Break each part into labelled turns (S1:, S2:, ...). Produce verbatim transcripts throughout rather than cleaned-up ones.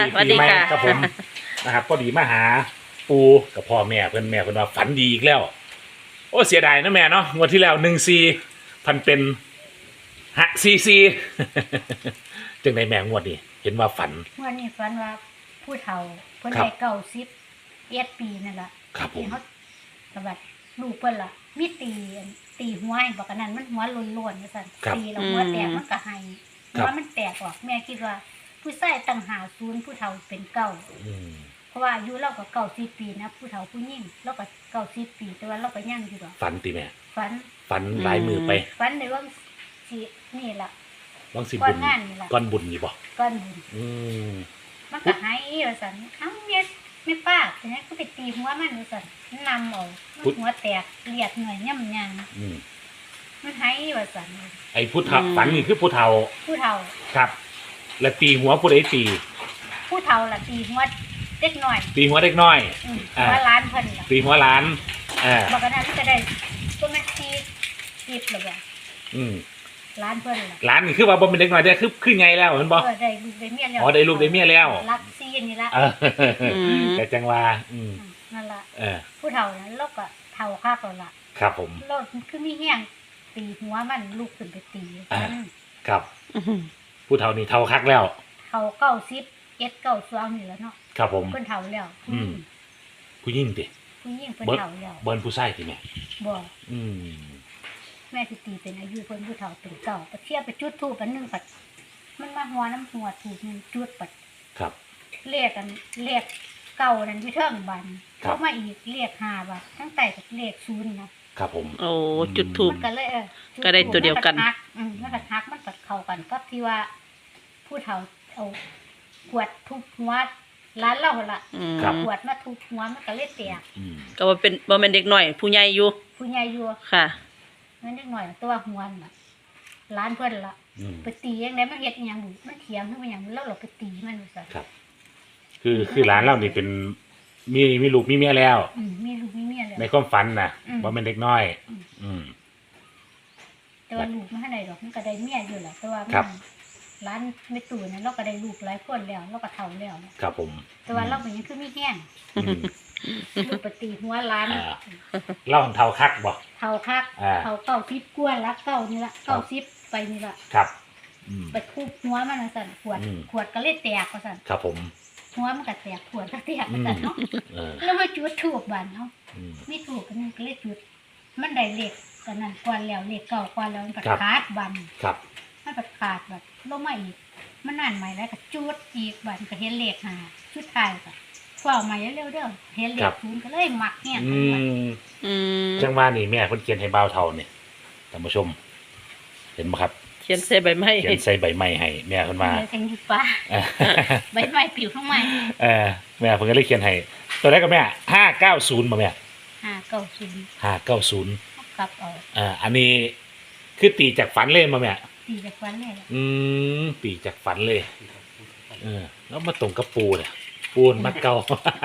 S1: ปีใหม่
S2: สวัสดีค่ะ
S1: ครับผมนะครับก็ดีมาหาปูกับพ่อแม่เพื่อนแม่เพื่อนว่าฝันดีอีกแล้วโอ้เสียดายนะแม่เนาะงวดที่แล้วหนึ่งซีพันเป็นฮะซีซี จึงในแม่งวดนี้เห็นว่าฝัน
S3: เมื่อนี้ฝันว่าผู้เฒ่าเพิ่น
S1: ครับ
S3: ได้เก้าสิบเอ็ดปีนั่นล่ะ
S1: ครับผม
S3: ที่เขาสะบัดลูกเพิ่นล่ะมีตีอันตีหัวให้บอกกันนั้นมันหัวโล้นๆว่าซั่น
S1: ครับ
S3: ตีแล้วหัวแตกมันก็ให้
S1: ครั
S3: หั
S1: บ
S3: วมันแตกออกแม่คิดว่า ผู้ชายตั้งหาศูนย์ผู้เฒ่าเป็นเก้า
S1: อืม
S3: เพราะว่าอายุเราก็เก้าสิบปีนะผู้เฒ่าผู้หญิงเราก็เก้าสิบปีแต่ว่าเราก็ยังอยู่ดอก
S1: ฝันตีแม่
S3: ฝัน
S1: ฝันหลายมือไป
S3: ฝันในว่าสินี่ล่ะ
S1: บางสิ
S3: ก้อ
S1: บุ
S3: น
S1: ญ
S3: งานนี่ล่ะ
S1: ก้อนบุญนี่บ่
S3: ก้อนบุญ
S1: อืม
S3: มันก็หายว่าสันเอ้าเมียไม่ป้าแต่นี้ก็ไปตีหัวมันว่าสันมันนำเอามันหัวแตกเลียดเหนื่อยย่ำยาง
S1: อืม
S3: มันหายว่าสัน
S1: ไอ้ผู้เฒ่าฝันนี่คือผู้เฒ่า
S3: ผู้เฒ่า
S1: ครับ และตีหัวผู้ใดตี
S3: ผู้เฒ่าล่ะตีหัวเด็กหน่อย
S1: ตีหัวเด็กน้อย
S3: อืม
S1: อ่า
S3: หัวล้านเพิ่นล่ะ
S1: ตีหัวหล้านอ่า
S3: บอกกันนั้นมันก็ได้ก็มันตีตีบเลยบ่
S1: อืม
S3: ล้านเพิ่นล่ะ
S1: หลานนี่คือว่าบ่เป็นเด็กน้อยได้อคือคือไงแล้วเห็นบ่
S3: เออได้ลูกได้เมียแล้ว
S1: อ๋อได้ลูกได้เมียแล้ว
S3: รักซีนี่ละ
S1: เออ
S2: ม
S1: แต่จังว่าอืม
S3: อืมนั่นล่ะ
S1: เออ
S3: ผู้เฒ่านั้นเราก็เฒ่าคักแล้วล่ะ
S1: ครับผม
S3: เราคือมีแห้งตีหัวมันลูกขึ้นไปตี
S1: อ่า
S3: มัน
S1: ครับ
S2: อื้อหือ
S1: ผู้เฒ่านี่เฒ่าคักแล้ว
S3: เขาเก้าสิบเอ็ดเก้าสองนี่แหล้วเนาะ
S1: ครับผม
S3: เพิ่นเฒ่าแล้ว
S1: อืม ผู้หญิงติ
S3: ผู้หญิงเพิ่น
S1: เบิ้ล
S3: เฒ่าแล้ว
S1: เบิ้ลผู้ชายติแม่
S3: บ่
S1: อืม
S3: แม่สิตีเป็นอายุเพิ่นผู้เฒ่าเป็นเก่าไปเทียบไปจุดธูปอันหนึงปัดมันมาหัวน้ำหัวถูกมันจุดปัด
S1: ครับ
S3: เลขกันเลขเก่านั่นที่เทิงบัน
S1: ครับ
S3: เขามาอีกเลขห้าบาททั้งใต้กับเลขศูนย์นะครับ
S1: ผม
S2: โอ้จุดทูบ
S3: มันก็เลยเออจุ
S2: ก็ได้ตัวเดียวกัน
S3: มัทักอืมมันก็ทักมันก็เข้ากันกับที่ว่า ผู้เฒ่าเอาขวดทุบหัวร้านเราหั่นล่ะ
S2: อืม
S3: ขวดมาทุบหัวมันก็เลยแตก
S1: อืม
S2: ก็ว่าเป็นบ่แม่นเด็กน้อย ผู้ใหญ่อยู่
S3: ผู้ใหญ่อยู่
S2: ค่ะ
S3: นั่นนิดหน่อยตัวหัวน่ะร้านเพิ่นละ
S1: อืม
S3: ไปตียังไงมันเฮ็ดอหยังบุมันเถียงขึ้นมาอย่างแล้วเราไปตีมันว่าซั่น
S1: ครับ คือคือหลานเรานี่เป็นมีมีลูกมีเมียแล้ว
S3: อืมมีลูกมีเมียแล้ว
S1: ในความฝันน่ะ
S3: อืม
S1: ว่าเป็นเด็กน้อย
S3: อืม
S1: อืม
S3: แต่ว่าลูกมันให้ได้ดอกมันก็ได้เมียอยู่แหละแต่ว่ามัน
S1: ครับ
S3: ร้านไม่ตู่นั้นเราก็ได้ลูกหลายคนแล้วเราก็เฒ่าแล้ว
S1: ครับผม
S3: แต่ว่าเราเป็นยังคือมีแห้ง
S1: อืม
S3: ลูกไปตีหัวร้าน
S1: อ่า เล่าของเท่าคักบ่
S3: เฒ่าคัก
S1: อ่า
S3: เฒ่าเก้าสิบกว่าละเก้านี่ละ
S1: ครั
S3: เก้า
S1: บ
S3: สิบไปนี่ละ
S1: ครับ อืม
S3: ไปทุบหัวมันว่าซั่นขวด
S1: อืม
S3: ขวดก็เลยแตกว่าซั่น
S1: ครับผม
S3: หัวมันก็แตกขวดก็แตกว่าซั่นเนาะ
S1: เออ
S3: แล้วมาจุดทูบบันเนาะ
S1: อืม
S3: มีทูบกันนึงก็เลยจุด มันได้เลขกันนั่นกว่าแล้วเลขเก่ากว่าแล้วมันก็
S1: ครับ
S3: ขาดบัน
S1: ครับ
S3: มันก็ขาดบัดลงมาอีก มันนานใหม่แล้วก็จุดอีกบันก็เห็นเลขหาชุดท้ายก็เฝ้าใหม่เร็วๆเด้อเห็นเล
S1: ครั
S3: ข
S1: บ
S3: ศูนย์ก็เลยมักเนี่ย
S1: อืม
S2: อืม
S1: จังว่านี่แม่เพิ่นเขียนให้บ่าวเท่านี่ท่านผู้ชม เห็นบ่ครับ
S2: เขียนใส่ใบไม้
S1: เขียนใส่ใบไม้ให้แม่เพิ่นว่า
S3: เลยแทงอยู่ฟ้า
S1: เออ
S3: ใบไม้ปิวข้างใน
S1: เออแม่เพิ่นก็เลยเขียนให้ตัวแรกก็แม่ห้าเก้าศูนย์บ่แม่
S3: ห้าเก้าศูนย์
S1: ห้าเก้าศูนย์
S3: กลับเอา
S1: อ่าอันนี้คือตีจากฝันเลยมาแม่
S3: ตีจากวันเลยล่ะ
S1: อืมตีจากฝันเลยเออแล้วมาตรงกับปูเนี่ยปูนมักเก่า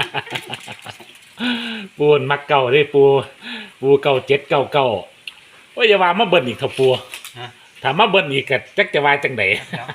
S1: ปูนมักเก่าเด้ปูปูเก่าเจ็ดเก่าเก่าโอ้ยอย่าว่ามาเบิ่นอีกเถอะปู
S4: ฮะ
S1: ถ้ามาเบิ่นอีกก็จักจะว่าจังได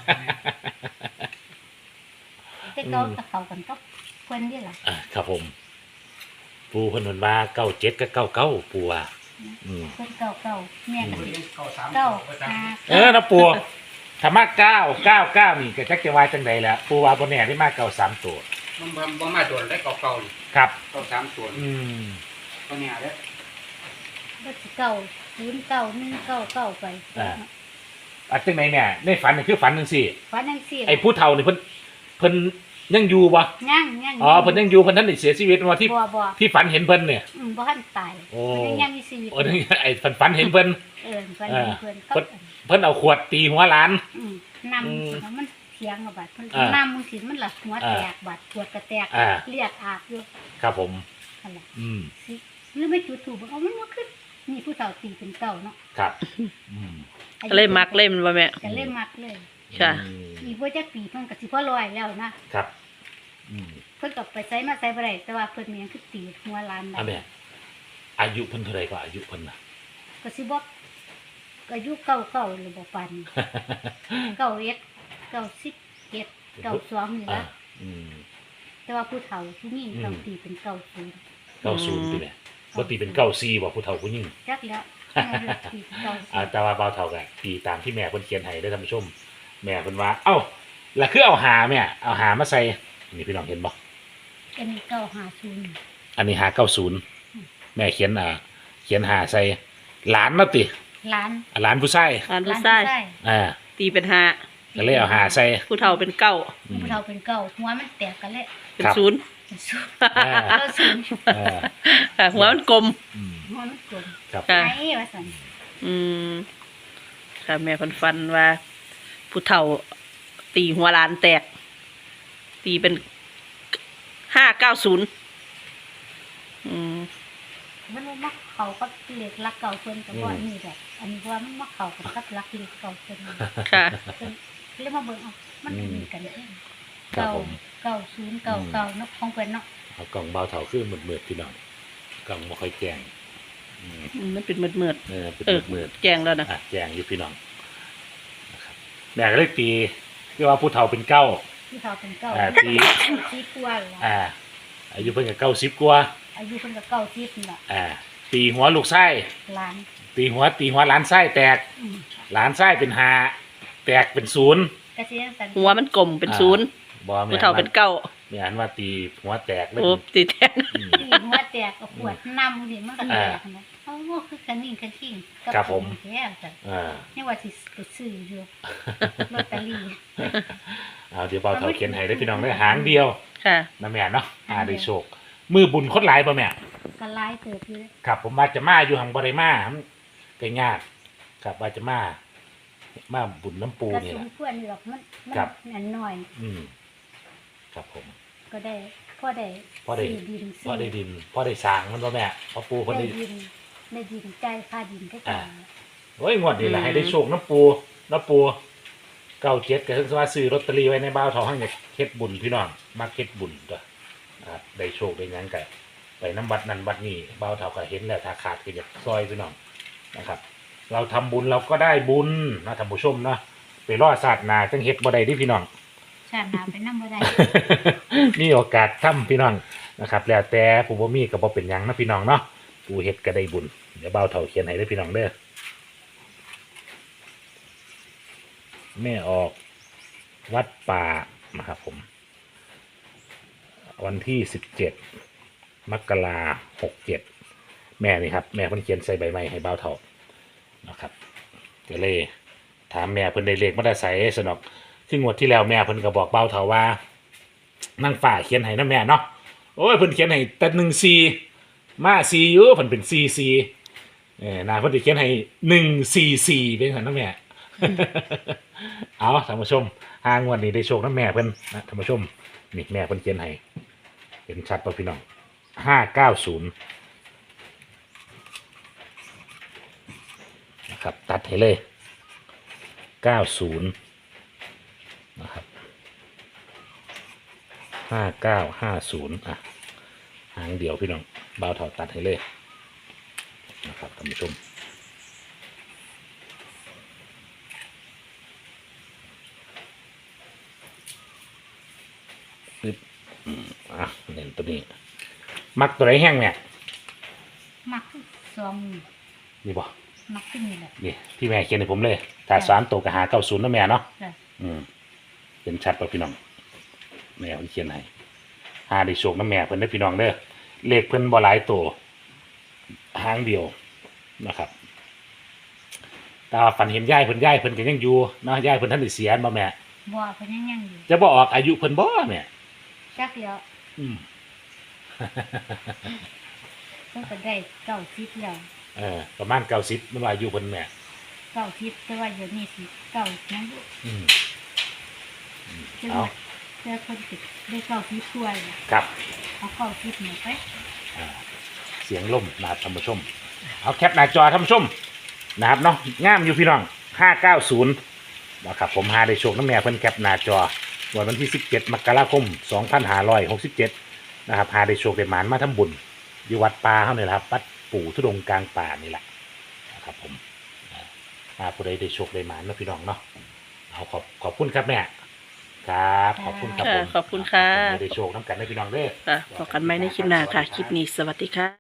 S3: แต่เขาตะเขากันก็เพิ่นนี่ล่ะ
S1: อ่าครับผม ปูเพิ่นเพิ่นว่าเก้าเจ็ดกับเก้าเก้าปูว่าอืม
S3: เพิ่นเก่าเก่าแม่ก็สิ
S4: เก้าสาม
S3: เก้าห้า
S1: เออนะปูถ้ามาเก้าเก้าเก้านี่ก็จักจะว่าจังไดแล้วปูว่าบ่แน่ได้มาเก้าสามตัว
S4: มันบ่บ่มาตัวได้เก่าเก่าๆนี่
S1: ครับ
S4: เก่าสามตัว
S1: อืม
S4: ตัวเนี้ยเด้อ
S3: ก็สิเก่าศูนย์เก่าหนึ่งเก่าเก่าไป
S1: อันจังไหนเนี่ยในฝันนี่คือฝันจังซี่
S3: ฝันจังซี่
S1: ไอ้ผู้เฒ่านี่เพิ่นเพิ่นยังอยู่บ่
S3: ยังยัง
S1: อ๋อเพิ่นยังอยู่เพิ่นท่านได้เสียชีวิตว่าที่
S3: บ่บ่
S1: ที่ฝันเห็นเพิ่นเนี่ย
S3: อืมบ่ทันตาย
S1: โอ้
S3: เพิ่นยังมีชีวิต
S1: โอ้นี่ไอ้ฝันฝันเห็นเพิ่น
S3: เออฝัน
S1: เออ
S3: เพิ่น
S1: เพิ่
S3: ก็
S1: น เพิ่นเอาขวดตีหัวหลาน
S3: อืมนำมันเถียงกับบัดเพิ่น
S1: อ่าน
S3: ำมึงสิมันละหัวแตกบัดปวดกระแตก
S1: อ่า
S3: เลือดอาบอยู่
S1: ครับผม
S3: นั่นแหละ
S1: อืม
S3: สิหรือไม่จุดถูกเอามันบ่ขึ้นนี่ผู้เฒ่าตีเป็นเก่าเนาะ
S1: ครับอืม
S2: ก็เลยมักเล่มนบ่แม่
S3: ก็เลยมักเลย
S2: ค่ะ
S1: อืม
S3: อีกบ่จักปีเพิ่นก็สิพอร้อยแล้วนะครับ
S1: อืม
S3: เพิ่นก็ไปไสมาไสบ่ได้แต่ว่าเพิ่นมีหยังคือตีหัวหลานได้
S1: อันเนี้ยอายุเพิ่นเท่าไหร่ก็อายุเพิ่นน่ะ
S3: ก็สิบอกก็อายุเก่าเก่าหรือบ่ปันเก่าเอ็ดเก่าสิบเอ็ดเก่าสองนี่
S1: อ่า
S3: ละ
S1: ออืม
S3: แต่ว่าผู้เฒ่าผู้หญิง
S1: อืม
S3: ต้องตีเป็นเก้าศูนย์
S1: เก้าศูนย์ตีแม่บ่ตีเป็นเก้าสี่บ่ผู้เฒ่าผู้หญิง
S3: จักแล้วแม่เลือกตีเป็นเก้าศู
S1: อ่าน
S3: ย์
S1: แต่ว่าเบาเท่ากันตีตามที่แม่เพิ่นเขียนให้ได้อท่านผู้ชม แม่เพิ่นว่า เอ้าแล้วคือเอาหาแม่เอาหามาใส่นี่พี่น้องเห็นบ่
S3: อันนี้เก้าห้าศูนย์
S1: อันนี้หาเก้าศูนย์แม่เขียนอ่า เขียนหาใส่หลานมาติ
S3: ล้าน
S1: อ่าหลานผู้ชาย
S2: อ่านผู้
S3: ล้าน
S2: ชาย
S3: ผู้ชาย
S1: อ่า
S2: ตีเป็นห้า
S1: ก็เลยเอาหาใส่
S2: ผู้เฒ่าเป็นเก้า
S1: อืม
S3: ผู้เฒ่าเป็นเก้าหัวมันแตกกันเลย
S2: เป็น
S1: ครับ
S2: ศูนย์
S3: เป็นศูนย์
S1: อ่า
S3: เก้าศูนย์
S1: เออ
S2: ค่ะหัวมันกลม
S1: อืม
S3: หัวมันกลม
S1: ครับ
S2: ค่ะ
S3: ไอ้ว่าสัน
S2: อืมค่ะแม่เพันฟันว่า ผู้เฒ่า ตีหัวหลานแตก ตีเป็นห้าเก้าศูนย์อืม
S3: มันบ่มักเขาก็เหล็กรักเก่าเพิ่นกับว่านี่แบบอันนี้ว่ามันมักเขากับกับรักเหล็กเก่าเพิ่น
S2: ค่ะ
S3: เพิ่นเรียกมาเบิ่งเอามันมีกันเอง
S1: ครับ
S3: เก่า
S1: ผม
S3: เก่าศูนย์เก่าเก่าเนาะของเพิ่นเนาะ
S1: เอากล่องเบาเท่าคือมืดๆพี่น้องกล่องบ่ค่อยแจ้งอืม
S2: อืมมันเป็นเมือดเมือด
S1: เออเป็น
S2: ๆเออ
S1: มืด
S2: แจงแล้วนะ
S1: ๆอ่ะแจ้งอยู่พี่น้องนะครับแม่ก็เลยตีที่ว่าผู้เฒ่าเป็นเก้า
S3: ที่เขาเป็นเก่า
S1: อ่าตี
S3: ซีกว่าเหรอ
S1: อ่า อายุเพิ่นก็เก้าสิบกว่า
S3: อายุเพิ่นก็เก่าซีนี่ล่ะ
S1: อ่า ตีหัวลูกไส้
S3: ล้าน
S1: ตีหัวตีหัวหลานไส้แตก
S3: อืม
S1: หลานไส้เป็นหาแตกเป็นศูนย์
S3: ก็สิจังซั่น
S2: หัวมันกลมเป็นศูนย์
S1: บ่แม่
S2: ผู้เฒ่าเป็นเก้า
S1: แม่อันว่าตีหัวแตกเลย
S2: โอ้ตีแทน
S1: อืม
S3: ตีหัวแตกก็ปวดน้ำนี่มันก็แตกนะเอ้าคือคันนิ่งคันทิ้งกั
S1: ครับผม
S3: แท้จ้ะ
S1: อ่า
S3: นี่ว่าสิไปซื้ออยู่ลอตเตอรี่
S1: เอาเดี๋ยวเบาเฒ่าเขียนให้ได้อพี่น้องได้อหางเดียว
S2: ค่ะ
S1: นะแม่เนาะอ่าได้โชค มือบุญคนหลายป่ะแม่
S3: ก็หลายเติบอยู่
S1: ครับผมว่าจะมาอยู่หังบ่ได้มาก็ยากครับว่าจะมามาบุญน้ำปู
S3: ก็
S1: นี่
S3: ส
S1: แห
S3: ม
S1: ละ
S3: ควรอยู่หรอกมันมัน
S1: ครับ
S3: นั่นหน่อย
S1: อืมครับผม
S3: ก็ได้พอได้
S1: พอได้
S3: ซื้ดิน
S1: พอได้ดินพอได้สร้างมันบ่แม่พอปูเพิ่น
S3: ได้
S1: ได้
S3: ดินได้ดินใจายค่าดินก็จ่าย
S1: โอ้ยงวดนี้แหละ
S2: อืม
S1: ให้ได้โชคน้ำปูน้ำปูเก้าเจ็ดก็คือว่าซื้อลอตเตอรี่ไว้ในบ้าวทองให้เนี่ยเฮ็ดบุญพี่น้องมาเฮ็ดบุญตัวนะครับได้โชคได้หยังก็ไปน้ำบัดนั้นบัดนี้บ้าวเท่าก็เห็นแล้วถ้าขาดก็อยากซอยพี่น้องนะครับ เราทำบุญเราก็ได้บุญนะท่านผู้ชมเนาะไปรอศาสตร์นาจังเฮ็ดบ่ได้เดิพี่น้อง
S3: ชาติหน้าไปนำบ่ได้
S1: มีโอกาสทำพี่น้องนะครับ แล้วแต่ผู้บ่มีก็บ่เป็นหยังนะพี่น้องเนาะผู้เฮ็ดก็ได้บุญเดี๋ยวเบาเท่าเขียนให้เด้อพี่น้องเด้อแม่ออกวัดป่านะครับผม วันที่สิบเจ็ดมกราหกเจ็ดแม่นี่ครับแม่เพิ่นเขียนใส่ใบไม้ให้เบาเท่านะครับก็เลยถามแม่เพิ่นได้เลขมาได้ใส่สนอกที่งวดที่แล้วแม่เพิ่นก็บอกเบาเท่าว่า นั่งฝ่าเขียนให้นะแม่เนาะโอ้ยเพิ่นเขียนให้แต่หนึ่งซีมาซีอยู่เพิ่นเป็นซีซีเออนาเพิ่นสิเขียนให้หนึ่งซีซีเป็นซั่นนะแม่ เอาท่านผู้ชมหางวดนี้ได้โชคนะแม่เพิ่นนะท่านผู้ชมนี่แม่เพิ่นเขียนให้เห็นชัดป่ะพี่น้องห้าเก้าศูนย์นะครับตัดให้เลยเก้าศูนย์นะครับ ห้าเก้าห้าศูนย์อ่ะหางเดียวพี่น้องเบาเท่าตัดให้เลยนะครับท่านผู้ชมปึ๊บอืมอ่ะเน้นตัวนี้ มักตัวไหนแห้งเนี่ย
S3: มักคือซอง
S1: นี่บ่
S3: มักขึ้นนี่แหละ
S1: นี่ที่แม่เขียนให้ผมเลยถ้าสามตัวกับหาเก้าศูนย์นะแม่เนาะ
S3: จ้ะ
S1: อืมเป็นชัดป่ะพี่น้องแม่เพิ่นเขียนให้หาได้โชคนะแม่เพิ่นได้อพี่น้องเด้อเลขเพิ่นบ่หลายตัวหางเดียวนะครับแต่ว่าฝันเห็นยายเพิ่นยายเพิ่นก็ยังอยู่เนาะยายเพิ่นท่านได้เสียบ่แม่
S3: บ่เพิ่นยังยังอยู่
S1: จะบ่ออกอายุเพิ่นบ่แม่
S3: จักเดียว
S1: อืม
S3: เพิ่นก็ได้เก้าสิบแล้ว
S1: เออประมาณเก้าสิบมันว่าอายุเพิ่นแม่
S3: เก้าสิบแต่ว่าเดี๋ยวนี้สิเก้ายังอยู่
S1: อืม
S3: เจ้า
S1: เอา
S3: เจ้าคนติดได้เก้าสิบถ้วยน่ะ
S1: ครับ
S3: เอาเก้าสิบหนึ่งไป
S1: อ่าเสียงลมนะครับท่านผู้ชม เอาแคปหน้าจอท่านผู้ชมนะครับเนาะงามอยู่พี่น้องห้าเก้าศูนย์นะครับผมหาได้โชคน้ำแม่เพิ่นแคปหน้าจอวันวันที่สิบเจ็ดมกราคมสองพันห้าร้อยหกสิบเจ็ดนะครับหาได้โชคได้หมานมาทำบุญอยู่วัดป่าเฮานี่แหละครับวัดปู่ทุดงค์กลางป่านี่แหละนะครับผมอ่าหาผู้ใดได้โชคได้หมานเนาะพี่น้องเนาะเอาขอบขอบคุณครับแม่ครับขอบคุณครับ
S2: ค่ะ
S1: ผม
S2: ขอบคุณค่ะ
S1: ไม่ได้โชคน้ำกันได้พี่น้องเด้อ
S2: ค่ะพบกันใหม่ในคลิปหน้าค่ะ คลิปนี้สวัสดีค่ะ